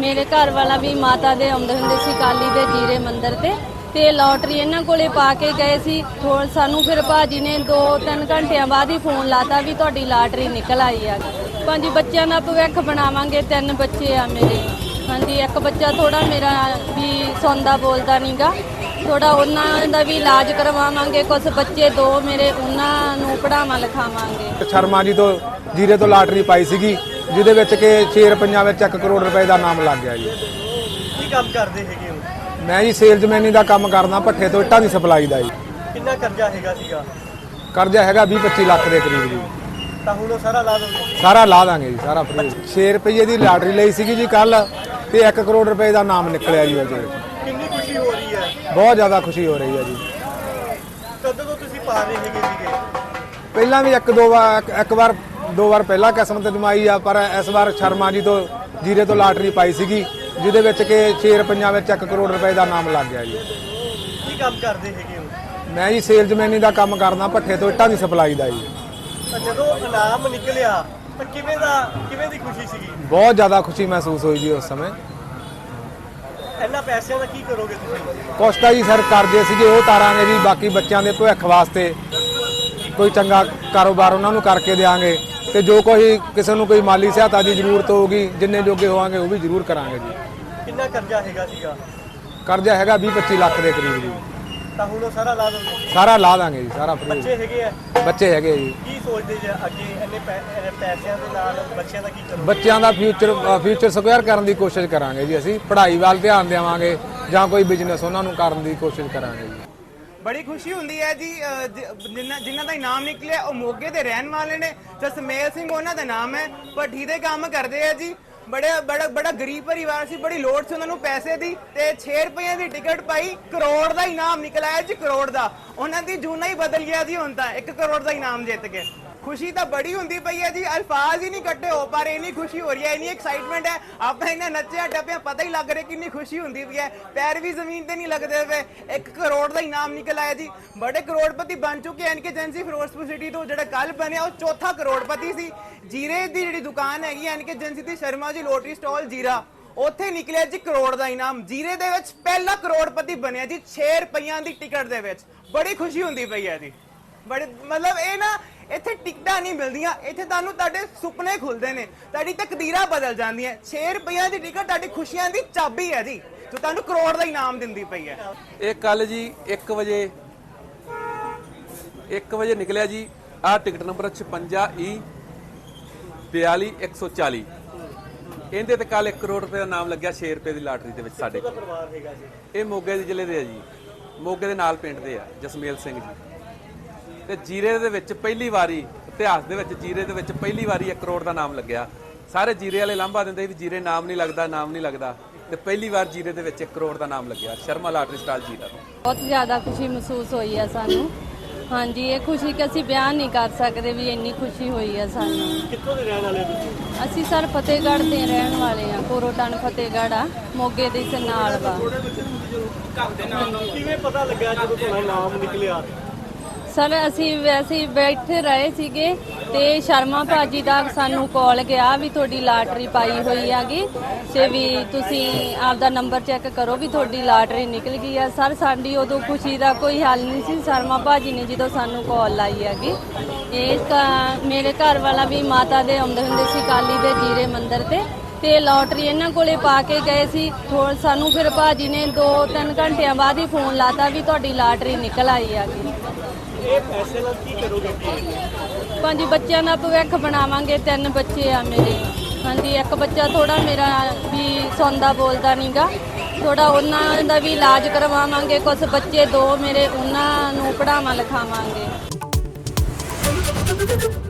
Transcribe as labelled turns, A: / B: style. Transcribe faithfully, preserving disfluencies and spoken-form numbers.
A: ਮੇਰੇ ਘਰ ਵਾਲਾ ਵੀ ਮਾਤਾ ਦੇ ਆਉਂਦੇ ਹੁੰਦੇ ਸੀ ਕਾਲੀ ਦੇ ਜੀਰੇ ਮੰਦਿਰ ਤੇ ਤੇ ਲੋਟਰੀ ਇਹਨਾਂ ਕੋਲੇ ਪਾ ਕੇ ਗਏ ਸੀ। ਥੋੜ ਸਾਨੂੰ ਫਿਰ ਭਾਜੀ ਨੇ ਦੋ ਤਿੰਨ ਘੰਟਿਆਂ ਬਾਅਦ ਹੀ ਫੋਨ ਲਾਤਾ ਵੀ ਤੁਹਾਡੀ ਲਾਟਰੀ ਨਿਕਲ ਆਈ ਆ। ਪੰਜ ਬੱਚਿਆਂ ਦਾ ਭਵਿੱਖ ਬਣਾਵਾਂਗੇ, ਤਿੰਨ ਬੱਚੇ ਆ ਮੇਰੇ। ਹਾਂਜੀ, ਇੱਕ ਬੱਚਾ ਥੋੜਾ ਮੇਰਾ ਵੀ ਸੌਂਦਾ ਬੋਲਦਾ ਨਹੀਂਗਾ, ਥੋੜਾ ਉਹਨਾਂ ਦਾ ਵੀ ਇਲਾਜ ਕਰਵਾਵਾਂਗੇ। ਕੁਝ ਬੱਚੇ ਦੋ ਮੇਰੇ ਉਹਨਾਂ ਨੂੰ ਪੜਾਵਾਂ ਲਿਖਾਵਾਂਗੇ।
B: ਸ਼ਰਮਾ ਜੀ ਤੋਂ ਜੀਰੇ ਤੋਂ ਲਾਟਰੀ ਪਾਈ ਸੀਗੀ ਜਿਹਦੇ ਵਿੱਚ ਕਿ ਛੇ ਰੁਪਈਆਂ ਵਿੱਚ ਇੱਕ ਕਰੋੜ ਰੁਪਏ ਦਾ ਨਾਮ ਲੱਗ ਗਿਆ ਜੀ।
C: ਕੀ ਕੰਮ ਕਰਦੇ ਹੈਗੇ ਹੋ?
B: ਮੈਂ ਜੀ ਸੇਲਜ਼ਮੈਨੀ ਦਾ ਕੰਮ ਕਰਦਾ, ਭੱਠੇ ਤੋਂ ਇੱਟਾਂ ਦੀ ਸਪਲਾਈ ਦਾ ਜੀ।
C: ਕਿੰਨਾ ਕਰਜ਼ਾ ਹੈਗਾ ਸੀਗਾ?
B: ਕਰਜ਼ਾ ਹੈਗਾ ਵੀਹ ਪੱਚੀ ਲੱਖ ਦੇ ਕਰੀਬ ਜੀ।
C: ਤਾਂ ਹੁਣ ਉਹ ਸਾਰਾ ਲਾ ਦੋਗੇ?
B: ਸਾਰਾ ਲਾ ਦਾਂਗੇ ਜੀ, ਸਾਰਾ ਫ੍ਰੀ। ਛੇ ਰੁਪਏ ਦੀ ਲਾਟਰੀ ਲਈ ਸੀਗੀ ਜੀ ਕੱਲ, ਤੇ ਇੱਕ ਕਰੋੜ ਰੁਪਏ ਦਾ ਨਾਮ ਨਿਕਲਿਆ ਜੀ ਉਹਦੇ ਵਿੱਚ।
C: ਕਿੰਨੀ ਖੁਸ਼ੀ ਹੋ ਰਹੀ ਹੈ?
B: ਬਹੁਤ ਜ਼ਿਆਦਾ ਖੁਸ਼ੀ ਹੋ ਰਹੀ ਹੈ ਜੀ।
C: ਕਦੋਂ ਤੋਂ ਤੁਸੀਂ ਪਾ ਰਹੇ ਹੈਗੇ ਸੀਗੇ?
B: ਪਹਿਲਾਂ ਵੀ ਇੱਕ ਦੋ ਵਾਰ ਇੱਕ ਵਾਰ ਦੋ ਵਾਰ ਪਹਿਲਾਂ ਕਿਸਮਤ ਜਮਾਈ ਆ, ਪਰ ਇਸ ਵਾਰ ਸ਼ਰਮਾ ਜੀ ਤੋਂ ਜੀਰੇ ਤੋਂ ਲਾਟਰੀ ਪਾਈ ਸੀਗੀ ਜਿਹਦੇ ਵਿੱਚ ਕਿ ਛੇ ਰੁਪਈਆਂ ਵਿੱਚ ਇੱਕ ਕਰੋੜ ਰੁਪਏ ਦਾ ਨਾਮ ਲੱਗ ਗਿਆ ਜੀ।
C: ਕੀ ਕੰਮ ਕਰਦੇ ਹੈਗੇ ਹੋ?
B: ਮੈਂ ਜੀ ਸੇਲਜ਼ਮੈਨੀ ਦਾ ਕੰਮ ਕਰਦਾ, ਭੱਠੇ ਤੋਂ ਇੱਟਾਂ ਦੀ ਸਪਲਾਈ ਦਾ ਜੀ।
C: ਤਾਂ ਜਦੋਂ ਇਨਾਮ ਨਿਕਲਿਆ ਤਾਂ ਕਿਵੇਂ ਦਾ ਕਿਵੇਂ ਦੀ ਖੁਸ਼ੀ ਸੀਗੀ?
B: ਬਹੁਤ ਜ਼ਿਆਦਾ ਖੁਸ਼ੀ ਮਹਿਸੂਸ ਹੋਈ ਜੀ ਉਸ ਸਮੇਂ।
C: ਇਹਨਾਂ ਪੈਸਿਆਂ ਦਾ ਕੀ ਕਰੋਗੇ ਤੁਸੀਂ?
B: ਕੁਛ ਤਾਂ ਜੀ ਸਰ ਕਰਜ਼ੇ ਸੀਗੇ ਉਹ ਤਾਰਾਂਗੇ ਜੀ, ਬਾਕੀ ਬੱਚਿਆਂ ਦੇ ਭਵਿੱਖ ਵਾਸਤੇ ਕੋਈ ਚੰਗਾ ਕਾਰੋਬਾਰ ਉਹਨਾਂ ਨੂੰ ਕਰਕੇ ਦੇਵਾਂਗੇ, ਤੇ ਜੋ ਕੋਈ ਕਿਸੇ ਨੂੰ ਕੋਈ ਮਾਲੀ ਸਹਾਇਤਾ ਦੀ ਜ਼ਰੂਰਤ ਹੋਊਗੀ ਜਿੰਨੇ ਜੋਗੇ ਹੋਵਾਂਗੇ ਉਹ ਵੀ ਜ਼ਰੂਰ ਕਰਾਂਗੇ ਜੀ।
C: ਕਿੰਨਾ ਕਰਜ਼ਾ ਹੈਗਾ ਸੀਗਾ?
B: ਕਰਜ਼ਾ ਹੈਗਾ ਵੀਹ ਪੱਚੀ ਲੱਖ ਦੇ ਕਰੀਬ ਜੀ।
C: ਤਾਂ ਹੁਣ ਉਹ ਸਾਰਾ ਲਾ ਦੋਗੇ?
B: ਸਾਰਾ ਲਾ ਦਾਂਗੇ ਜੀ, ਸਾਰਾ ਫ੍ਰੀ।
C: ਬੱਚੇ ਹੈਗੇ ਆ?
B: ਬੱਚੇ ਹੈਗੇ ਜੀ।
C: ਕੀ ਸੋਚਦੇ ਜੇ ਅੱਗੇ ਇੰਨੇ ਪੈ- ਇਹ ਪੈਸਿਆਂ ਦੇ ਨਾਲ ਬੱਚਿਆਂ ਦਾ ਕੀ ਕਰੋਗੇ?
B: ਬੱਚਿਆਂ ਦਾ ਫਿਊਚਰ ਫਿਊਚਰ ਸਕੁਅਰ ਕਰਨ ਦੀ ਕੋਸ਼ਿਸ਼ ਕਰਾਂਗੇ ਜੀ। ਅਸੀਂ ਪੜ੍ਹਾਈ ਵੱਲ ਧਿਆਨ ਦੇਵਾਂਗੇ ਜਾਂ ਕੋਈ ਬਿਜ਼ਨਸ ਉਹਨਾਂ ਨੂੰ ਕਰਨ ਦੀ ਕੋਸ਼ਿਸ਼ ਕਰਾਂਗੇ ਜੀ।
D: ਬੜੀ ਖੁਸ਼ੀ ਹੁੰਦੀ ਹੈ ਜੀ। ਅਹ ਜ- ਜਿਨ੍ਹਾਂ ਜਿਨ੍ਹਾਂ ਦਾ ਇਨਾਮ ਨਿਕਲਿਆ ਉਹ ਮੋਗੇ ਦੇ ਰਹਿਣ ਵਾਲੇ ਨੇ। ਜਸਮੇਲ ਸਿੰਘ ਉਹਨਾਂ ਦਾ ਨਾਮ ਹੈ, ਭੱਠੀ ਦੇ ਕੰਮ ਕਰਦੇ ਆ ਜੀ। ਬੜੇ ਬੜਾ ਬੜਾ ਗਰੀਬ ਪਰਿਵਾਰ ਸੀ, ਬੜੀ ਲੋੜ ਸੀ ਉਹਨਾਂ ਨੂੰ ਪੈਸੇ ਦੀ, ਤੇ ਛੇ ਰੁਪਏ ਦੀ ਟਿਕਟ ਪਾਈ, ਕਰੋੜ ਦਾ ਇਨਾਮ ਨਿਕਲ ਆਇਆ ਜੀ, ਕਰੋੜ ਦਾ। ਉਹਨਾਂ ਦੀ ਜੂਨਾ ਹੀ ਬਦਲ ਗਿਆ ਜੀ, ਹੁਣ ਤਾਂ ਇੱਕ ਕਰੋੜ ਦਾ ਇਨਾਮ ਜਿੱਤ ਕੇ। ਖੁਸ਼ੀ ਤਾਂ ਬੜੀ ਹੁੰਦੀ ਪਈ ਹੈ ਜੀ, ਅਲਫਾਜ਼ ਹੀ ਨਹੀਂ ਕੱਢੇ ਹੋ ਪਾ ਰਹੇ, ਇੰਨੀ ਖੁਸ਼ੀ ਹੋ ਰਹੀ ਹੈ, ਇੰਨੀ ਐਕਸਾਈਟਮੈਂਟ ਹੈ। ਆਪਾਂ ਇਹਨਾਂ ਨੱਚਿਆ ਟੱਪਿਆ ਪਤਾ ਹੀ ਲੱਗ ਰਿਹਾ ਕਿੰਨੀ ਖੁਸ਼ੀ ਹੁੰਦੀ ਪਈ ਹੈ। ਪੈਰ ਵੀ ਜ਼ਮੀਨ ਤੇ ਨਹੀਂ ਲੱਗਦੇ ਪਏ। ਇੱਕ ਕਰੋੜ ਦਾ ਇਨਾਮ ਨਿਕਲ ਆਇਆ ਜੀ। ਬੜੇ ਕਰੋੜਪਤੀ ਬਣ ਚੁੱਕੇ N K agency Ferozepur city ਤੋਂ। ਜਿਹੜਾ ਕੱਲ ਬਣਿਆ ਉਹ ਚੌਥਾ ਕਰੋੜਪਤੀ ਸੀ। ਜੀਰੇ ਦੀ ਜਿਹੜੀ ਦੁਕਾਨ ਹੈਗੀ ਐਨ ਕੇ ਏਜੰਸੀ ਦੀ, ਸ਼ਰਮਾ ਜੀ ਲੋਟਰੀ ਸਟਾਲ ਜੀਰਾ, ਉੱਥੇ ਨਿਕਲਿਆ ਜੀ ਕਰੋੜ ਦਾ ਇਨਾਮ। ਜੀਰੇ ਦੇ ਵਿੱਚ ਪਹਿਲਾ ਕਰੋੜਪਤੀ ਬਣਿਆ ਜੀ ਛੇ ਰੁਪਈਆਂ ਦੀ ਟਿਕਟ ਦੇ ਵਿੱਚ। ਬੜੀ ਖੁਸ਼ੀ ਹੁੰਦੀ ਪਈ ਹੈ ਜੀ। ਬੜੇ ਮਤਲਬ ਇਹ ਨਾ ਇੱਥੇ ਟਿਕਟਾਂ ਨਹੀਂ ਮਿਲਦੀਆਂ, ਇੱਥੇ ਤੁਹਾਨੂੰ ਤੁਹਾਡੇ ਸੁਪਨੇ ਖੁੱਲਦੇ ਨੇ, ਤੁਹਾਡੀ ਤਕਦੀਰਾਂ ਬਦਲ ਜਾਂਦੀਆਂ। ਛੇ ਰੁਪਈਆਂ ਦੀ ਟਿਕਟ ਤੁਹਾਡੀ ਖੁਸ਼ੀਆਂ ਦੀ ਚਾਬੀ ਹੈ ਜੀ, ਜੋ ਤੁਹਾਨੂੰ ਕਰੋੜ ਦਾ ਇਨਾਮ ਦਿੰਦੀ ਪਈ ਹੈ।
E: ਇਹ ਕੱਲ ਜੀ ਇੱਕ ਵਜੇ ਇੱਕ ਵਜੇ ਨਿਕਲਿਆ ਜੀ। ਆਹ ਟਿਕਟ ਨੰਬਰ ਛਪੰਜਾ ਈ ਬਿਆਲੀ ਇੱਕ ਸੌ ਚਾਲੀ। ਇਹਦੇ ਤੇ ਕੱਲ ਇੱਕ ਕਰੋੜ ਰੁਪਏ ਦਾ ਨਾਮ ਲੱਗਿਆ ਛੇ ਰੁਪਏ ਦੀ ਲਾਟਰੀ ਦੇ ਵਿੱਚ ਸਾਡੇ ਕੋਲ।
C: ਪਰਿਵਾਰ ਹੈਗਾ ਜੀ?
E: ਇਹ ਮੋਗੇ ਦੇ ਜ਼ਿਲ੍ਹੇ ਦੇ ਆ ਜੀ, ਮੋਗੇ ਦੇ ਨਾਲ ਪਿੰਡ ਦੇ ਆ, ਜਸਮੇਲ ਸਿੰਘ ਜੀ। ਤੇ ਜੀਰੇ ਦੇ ਵਿੱਚ ਪਹਿਲੀ ਵਾਰੀ ਇਤਿਹਾਸ ਦੇ ਵਿੱਚ ਜੀਰੇ ਦੇ ਵਿੱਚ ਪਹਿਲੀ ਵਾਰੀ ਇੱਕ ਕਰੋੜ ਦਾ ਨਾਮ ਲੱਗਿਆ। ਸਾਰੇ ਜੀਰੇ ਵਾਲੇ ਲਾਂਭਾ ਦਿੰਦੇ ਵੀ ਜੀਰੇ ਨਾਮ ਨਹੀਂ ਲੱਗਦਾ, ਨਾਮ ਨਹੀਂ ਲੱਗਦਾ, ਤੇ ਪਹਿਲੀ ਵਾਰ ਜੀਰੇ ਦੇ ਵਿੱਚ ਇੱਕ ਕਰੋੜ ਦਾ ਨਾਮ ਲੱਗਿਆ ਸ਼ਰਮਾ ਲਾਟਰੀ ਸਟਾਲ ਜੀਰਾ ਤੋਂ।
A: ਬਹੁਤ ਜ਼ਿਆਦਾ ਖੁਸ਼ੀ ਮਹਿਸੂਸ ਹੋਈ ਹੈ ਸਾਨੂੰ। ਹਾਂਜੀ, ਇਹ ਖੁਸ਼ੀ ਕਿ ਅਸੀਂ ਬਿਆਨ ਨਹੀਂ ਕਰ ਸਕਦੇ ਵੀ ਇੰਨੀ ਖੁਸ਼ੀ ਹੋਈ ਹੈ ਸਾਨੂੰ।
C: ਕਿੱਥੋਂ ਦੇ ਰਹਿਣ ਵਾਲੇ ਹੋ ਤੁਸੀਂ?
A: ਅਸੀਂ ਸਰ ਫਤਿਹਗੜ੍ਹ ਦੇ ਰਹਿਣ ਵਾਲੇ ਆ, ਕੋਰੋਟਨ ਫਤਿਹਗੜ੍ਹ ਆ, ਮੋਗੇ ਦੇ ਇਸ ਨਾਲ ਵਾ।
C: ਕਿਵੇਂ ਪਤਾ ਲੱਗਿਆ ਜਦੋਂ ਤੁਹਾਡਾ ਨਾਮ ਨਿਕਲਿਆ?
A: ਸਰ ਅਸੀਂ ਵੈਸੇ ਹੀ ਬੈਠੇ ਰਹੇ ਸੀਗੇ ਤੇ ਸ਼ਰਮਾ ਭਾਜੀ ਦਾ ਸਾਨੂੰ ਕਾਲ ਗਿਆ ਵੀ ਤੁਹਾਡੀ ਲਾਟਰੀ ਪਾਈ ਹੋਈ ਹੈਗੀ ਤੇ ਵੀ ਤੁਸੀਂ ਆਪਦਾ ਨੰਬਰ ਚੈੱਕ ਕਰੋ ਵੀ ਤੁਹਾਡੀ ਲਾਟਰੀ ਨਿਕਲ ਗਈ ਆ। ਸਰ ਸਾਡੀ ਉਦੋਂ ਖੁਸ਼ੀ ਦਾ ਕੋਈ ਹੱਲ ਨਹੀਂ ਸੀ। ਸ਼ਰਮਾ ਭਾਜੀ ਨੇ ਜਦੋਂ ਸਾਨੂੰ ਕਾਲ ਲਾਈ ਹੈਗੀ, ਇਹ ਮੇਰੇ ਘਰ ਵਾਲਾ ਵੀ ਮਾਤਾ ਦੇ ਆਉਂਦੇ ਹੁੰਦੇ ਸੀ ਕਾਲੀ ਦੇ ਜੀਰੇ ਮੰਦਿਰ ਤੇ ਤੇ ਲੋਟਰੀ ਇਹਨਾਂ ਕੋਲੇ ਪਾ ਕੇ ਗਏ ਸੀ। ਥੋੜ ਸਾਨੂੰ ਫਿਰ ਭਾਜੀ ਨੇ ਦੋ ਤਿੰਨ ਘੰਟਿਆਂ ਬਾਅਦ ਹੀ ਫੋਨ ਲਾਤਾ ਵੀ ਤੁਹਾਡੀ ਲਾਟਰੀ ਨਿਕਲ ਆਈ ਹੈਗੀ।
C: ਇਹ ਪੈਸੇ ਨਾਲ ਕੀ ਕਰੋਗੇ ਜੀ?
A: ਪੰਜ ਬੱਚਿਆਂ ਦਾ ਭਵਿੱਖ ਬਣਾਵਾਂਗੇ, ਤਿੰਨ ਬੱਚੇ ਆ ਮੇਰੇ। ਹਾਂਜੀ, ਇੱਕ ਬੱਚਾ ਥੋੜਾ ਮੇਰਾ ਵੀ ਸੌਂਦਾ ਬੋਲਦਾ ਨਹੀਂਗਾ, ਥੋੜਾ ਉਹਨਾਂ ਦਾ ਵੀ ਇਲਾਜ ਕਰਵਾਵਾਂਗੇ। ਕੁਝ ਬੱਚੇ ਦੋ ਮੇਰੇ ਉਹਨਾਂ ਨੂੰ ਪੜਾਵਾਂ ਲਿਖਾਵਾਂਗੇ।